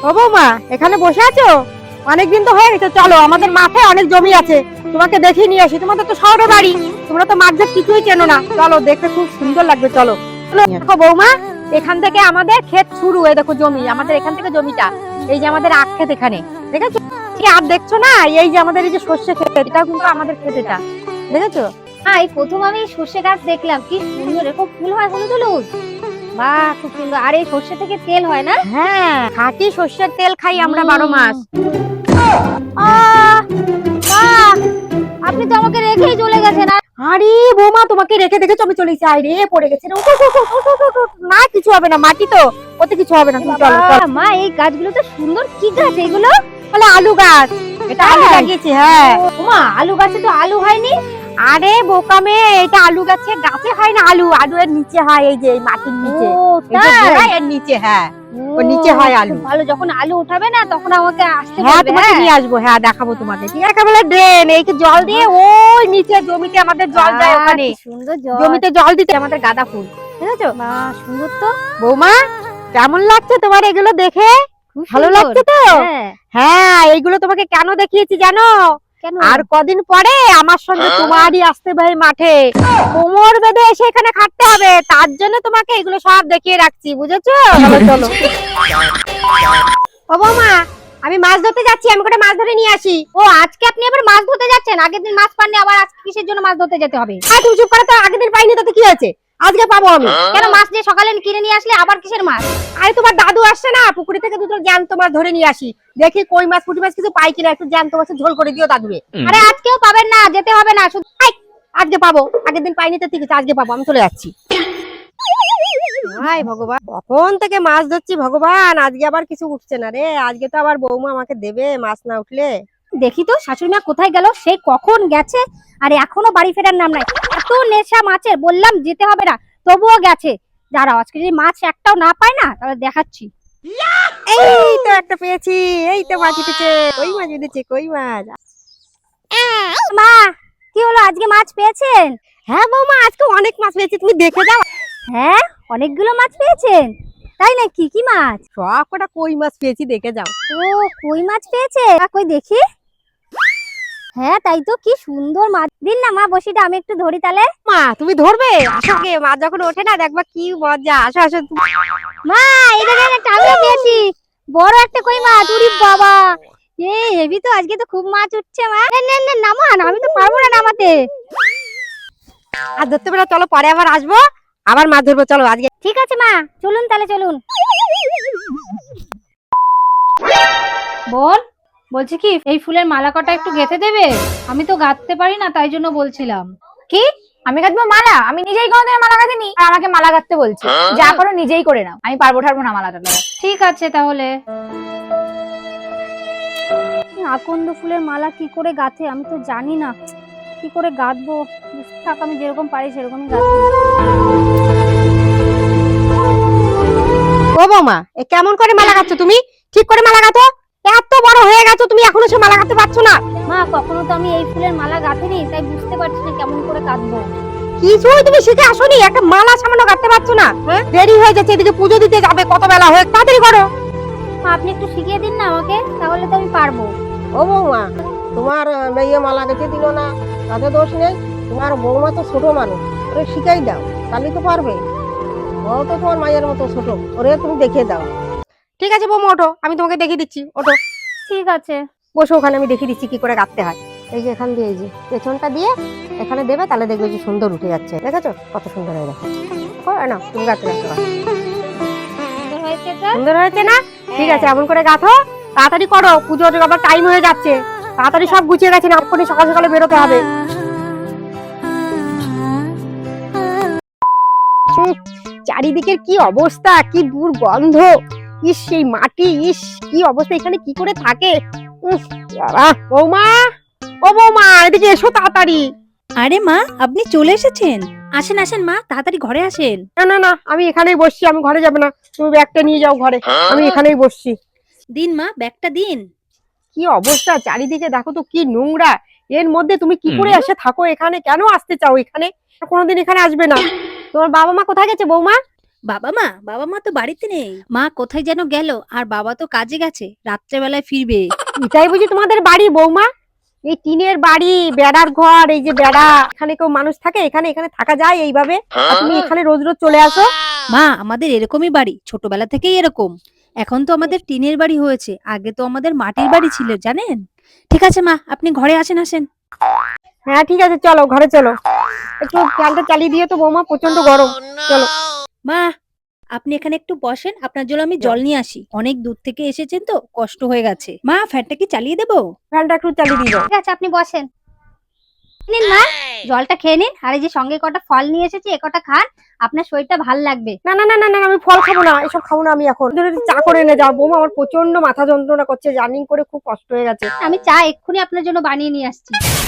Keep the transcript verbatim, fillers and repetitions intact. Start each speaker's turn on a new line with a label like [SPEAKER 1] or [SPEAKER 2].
[SPEAKER 1] ও বৌমা, এখানে বসে আছো? অনেকদিন তো হয়ে গেছে, চলো আমাদের মাঠে অনেক জমি আছে, তোমাকে দেখিয়ে নিয়ে আসি। তোমাদের তো শহরে বাড়ি, তোমরা তো মাঠ ঘাট কিছুই চেনো না। চলো, দেখতে খুব সুন্দর লাগবে, চলো। দেখো বৌমা, এখান থেকে আমাদের ক্ষেত শুরু। এই দেখো জমি, আমাদের এখান থেকে জমিটা, এই যে আমাদের আখ ক্ষেত এখানে, দেখেছো? আর দেখছো না, এই যে আমাদের এই যে সর্ষে ক্ষেত, এটা কিন্তু আমাদের ক্ষেত, এটা দেখেছো?
[SPEAKER 2] হ্যাঁ, এই প্রথম আমি সর্ষে গাছ দেখলাম, কি সুন্দর, এরকম ফুল হয় হলুদ হলুদ। বাহ, খুব সুন্দর। আর এই সর্ষে থেকে তেল হয় না?
[SPEAKER 1] হ্যাঁ, খাঁটি সর্ষের তেল খাই আমরা বারো মাস।
[SPEAKER 2] আহ, বাহ, আপনি তো আমাকে রেখেই চলে গেছেন।
[SPEAKER 1] আরে বৌমা, তোমাকে রেখে দেখেছো আমি চলে এসেছি। আরে পড়ে গেছে রে, উঠো, উঠো, উঠো, উঠো, উঠো, উঠো। না কিছু হবে না, মাটি তো, ওতে কিছু হবে না। তুমি চলো, চলো।
[SPEAKER 2] মা, এই গাছগুলো তো সুন্দর। কি গাছ এগুলো?
[SPEAKER 1] বলে আলু গাছ, এটা আলু লাগিয়েছি। হ্যাঁ
[SPEAKER 2] মা, আলু গাছে তো আলু হয়নি।
[SPEAKER 1] আরে বোকা মেয়ে, এটা আলু গাছে গাছে হয় না আলু, আলু এর নিচে হয়, এই যে এই মাটির নিচে,
[SPEAKER 2] ও
[SPEAKER 1] এই যে
[SPEAKER 2] তাই?
[SPEAKER 1] গোড়ায় এর নিচে। হ্যাঁ, ওর নিচে হয় আলু।
[SPEAKER 2] ভালো, যখন আলু উঠাবে না তখন আমাকে আসতে
[SPEAKER 1] হ্যাঁ
[SPEAKER 2] বলবে।
[SPEAKER 1] তোমাকে নিয়ে আসবো, হ্যাঁ দেখাবো তোমাকে। ঠিক আছে, বলে ড্রেন, এই জল দিয়ে ওই নিচে জমিতে আমাদের জল যায়, ওখানে
[SPEAKER 2] সুন্দর জল।
[SPEAKER 1] জমিতে জল দিতে আমাদের গাঁদা ফুল, বুঝেছো?
[SPEAKER 2] বাহ, সুন্দর তো।
[SPEAKER 1] বৌমা, কেমন লাগছে তোমার এগুলো দেখে? ভালো লাগছে তো?
[SPEAKER 2] হ্যাঁ।
[SPEAKER 1] হ্যাঁ, এইগুলো তোমাকে কেন দেখিয়েছি জানো?
[SPEAKER 2] কেন?
[SPEAKER 1] আর কদিন পরে আমার সঙ্গে তোমারই আসতে ভাই মাঠে, কোমর বেঁধে এসে এখানে খাটতে হবে, তার জন্য তোমাকে এগুলো সব দেখিয়ে রাখছি, বুঝেছো? চলো চলো। ও বৌমা, আমি মাছ ধরতে যাচ্ছি, আমি কটা মাছ ধরে নিয়ে আসি।
[SPEAKER 2] ও, আজকে আপনি আবার মাছ ধরতে যাচ্ছেন? আগের দিন মাছ পাননি, আবার আজকে কিসের জন্য মাছ ধরতে যেতে হবে?
[SPEAKER 1] আর তুমি চুপ করো তো, আগের দিন পাইনি তাতে কি হয়েছে, আজকে পাবো আমি।
[SPEAKER 2] কেন, মাছ যে সকালে কিনে নিয়ে আসলে আবার কিসের মাছ?
[SPEAKER 1] আরে তোমার দাদু আসছে না, পুকুরি থেকে দুটো জ্যান্ত মাছ ধরে নিয়ে আসি, দেখি কই মাছ পুঁটি মাছ কিছু পাই কিনা, একটু জ্যান্ত মাছের ঝোল করে দিও দাদুরে।
[SPEAKER 2] আরে আজকেও পাবেন না, যেতে হবে না শুধু।
[SPEAKER 1] আই, আজকে পাবো, আগের দিন পাইনি তো ঠিক আছে, আজকে পাবো, আমি চলে যাচ্ছি। হাই ভগবান, কখন থেকে মাছ ধরছি ভগবান, আজকে আবার কিছু উঠছে না রে। আজকে তো আবার বৌমা আমাকে দেবে মাছ না উঠলে।
[SPEAKER 2] দেখি তো শাশুড়ি মা কোথায় গেল, সেই কখন গেছে আর এখনো বাড়ি ফেরার নাম নাই। এত নেশা মাছের, বললাম যেতে হবে না, তবুও গেছে। দাঁড়াও, আজকে যদি মাছ একটাও না পায় না, তাহলে দেখাচ্ছি।
[SPEAKER 1] এই তো একটা পেয়েছি, এই তো মাছ উঠেছে, কই মাছ উঠেছে, কই মাছ।
[SPEAKER 2] মা, কি হলো, আজকে মাছ পেয়েছেন?
[SPEAKER 1] হ্যাঁ বৌমা, আজকে অনেক মাছ পেয়েছি, তুমি দেখে যাও।
[SPEAKER 2] হ্যাঁ, অনেকগুলো মাছ পেয়েছেন, তাই নাকি? কি মাছ?
[SPEAKER 1] সব কটা কই মাছ পেয়েছি, দেখে যাও।
[SPEAKER 2] ও, কই মাছ পেয়েছে? আ, কই দেখি। হ্যাঁ, তাই তো, কি সুন্দর মাছ। দিন না মা বসিটা, আমি একটু ধরি তাহলে।
[SPEAKER 1] মা তুমি ধরবে? আসো আগে, মাছ যখন ওঠে না দেখবা কি মজা। আসো আসো।
[SPEAKER 2] মা, এই দেখেন, একটা আমিও পেয়েছি, বড় একটা কই মাছ। উরি বাবা, এ হেভি তো, আজকে তো খুব মাছ উঠছে। মা, নেন নেন নেন, নামান, আমি তো পারবো না নামাতে।
[SPEAKER 1] আর ধরতে পারো, চলো পরে আবার আসবো, আবার মাছ ধরবো, চলো আজকে।
[SPEAKER 2] ঠিক আছে মা, চলুন তাহলে, চলুন।
[SPEAKER 3] বোন, বলছি কি, এই ফুলের মালা কটা একটু গেঁথে দেবে? আমি তো গাঁথতে পারি না, তাই জন্য বলছিলাম।
[SPEAKER 4] কি? আমি গাঁথবো মালা? আমি নিজেই কোনোদিন মালা গাঁথিনি, আর আমাকে মালা গাঁথতে বলছে? যা করো নিজেই করে নাও, আমি পারবো ঠারবো না মালাটা লাগাতে।
[SPEAKER 3] ঠিক আছে তাহলে।
[SPEAKER 2] আকন্দ ফুলের মালা কি করে গাঁথে আমি তো জানি না, কি করে গাঁথবো। থাক, আমি যেরকম পারি সেরকমই গাঁথবো।
[SPEAKER 1] ও বৌমা, এ কেমন করে মালা গাচ্ছ তুমি? ঠিক করে মালা গাঁথো, এত বড় হয়ে গেছো তুমি, এখনো সে মালা গাঁথতে পারছো না?
[SPEAKER 2] মা, কখনো তো আমি এই ফুলের মালা গাঁথিনি, তাই বুঝতে পারছি না কেমন করে গাঁথবো।
[SPEAKER 1] কিছুই তুমি শিখে আসোনি, একটা মালা সামান্য গাঁথতে পারছো না? হ্যাঁ, দেরি হয়ে যাচ্ছে, এদিকে পুজো দিতে যাবে, কত বেলা হয়ে, তাড়াতাড়ি করো।
[SPEAKER 2] মা, আপনি একটু শিখিয়ে দিন না আমাকে, তাহলে তো আমি পারবো।
[SPEAKER 5] ও বৌমা, তোমার মেয়ে মালা গেঁথে দিল না, তাতে দোষ নেই। তোমার বৌমা তো ছোট মানুষ, ওরে শিখাই দাও, তাহলে তো পারবে। ও তো তোমার মায়ের মতো ছোট, ওরে তুমি দেখিয়ে দাও।
[SPEAKER 1] ঠিক আছে বৌমা, ওঠো, আমি তোমাকে দেখিয়ে দিচ্ছি, ওঠো।
[SPEAKER 2] ঠিক আছে।
[SPEAKER 1] বসো ওখানে, আমি দেখিয়ে দিচ্ছি কি করে গাঁথতে হয়। এই যে এখান দিয়ে, এই যে পেছনটা দিয়ে এখানে দেবে, তাহলে দেখবে যে সুন্দর উঠে যাচ্ছে, দেখেছো কত সুন্দর হয়ে গেছে। না তুমি গাঁথতে গাঁথতে পারো।
[SPEAKER 2] সুন্দর হয়েছে তো?
[SPEAKER 1] সুন্দর হয়েছে না? ঠিক আছে, এমন করে গাঁথো, তাড়াতাড়ি করো, পুজোর আবার টাইম হয়ে যাচ্ছে, তাড়াতাড়ি সব গুছিয়ে গেছে না, এক্ষুনি সকাল সকালে বেরোতে হবে। উফ, চারিদিকের কি অবস্থা, কি দুর্গন্ধ, ইস সেই মাটি, ইস কি অবস্থা, এখানে কি করে থাকে। উফ বাবা, বৌমা, ও বৌমা, এদিকে এসো তাড়াতাড়ি।
[SPEAKER 6] আরে মা, আপনি চলে এসেছেন? আসেন আসেন মা, তাড়াতাড়ি ঘরে আসেন।
[SPEAKER 1] না না না, আমি এখানেই বসছি, আমি ঘরে যাবো না, তুমি ব্যাগটা নিয়ে যাও ঘরে, আমি এখানেই বসছি।
[SPEAKER 6] দিন মা, ব্যাগটা দিন।
[SPEAKER 1] কি অবস্থা চারিদিকে, দেখো তো কি নোংরা, এর মধ্যে তুমি কি করে এসে থাকো এখানে? কেন আসতে চাও এখানে? কোনোদিন এখানে আসবে না। তোমার বাবা মা কোথায় গেছে বৌমা?
[SPEAKER 6] বাবা মা বাবা মা তো বাড়িতে নেই, মা কোথায় যেন গেল, আর বাবা তো কাজে গেছে, রাত্রেবেলায় ফিরবে।
[SPEAKER 1] এটাই বুঝি তোমাদের বাড়ি বৌমা? এই টিনের বাড়ি, বেড়ার ঘর, এই যে বেড়া, এখানে কেউ মানুষ থাকে? এখানে এখানে থাকা যায় এইভাবে? আর তুমি এখানে রোজ রোজ চলে আসো?
[SPEAKER 6] মা আমাদের এরকমই বাড়ি, ছোটবেলা থেকেই এরকম। এখন তো আমাদের টিনের বাড়ি হয়েছে, আগে তো আমাদের মাটির বাড়ি ছিল জানেন। ঠিক আছে মা, আপনি ঘরে আসেন আসেন।
[SPEAKER 1] হ্যাঁ ঠিক আছে, চলো ঘরে চলো। একটু ফ্যানটা চালিয়ে দিয়ে তো বৌমা, প্রচন্ড গরম। চলো।
[SPEAKER 6] মা আপনি এখানে একটু বসেন, আপনার জন্য আমি জল নিয়ে আসি, অনেক দূর থেকে এসেছেন তো কষ্ট হয়ে গেছে। মা ফ্যানটা কি চালিয়ে দেবো?
[SPEAKER 1] ফ্যানটা একটু চালিয়ে দিও।
[SPEAKER 2] ঠিক আছে, আপনি বসেন। নিন মা, জলটা খেয়ে নিন, আর এই যে সঙ্গে কটা ফল নিয়ে এসেছি, এ কটা খান, আপনার শরীরটা ভাল লাগবে।
[SPEAKER 1] না না না না না, আমি ফল খাবো না, এসব খাবো না আমি এখন। ধরে চা করে এনে যাও বৌমা, আমার প্রচন্ড মাথা যন্ত্রণা করছে, জার্নি করে খুব কষ্ট হয়ে গেছে।
[SPEAKER 2] আমি চা এক্ষুনি আপনার জন্য বানিয়ে নিয়ে আসছি।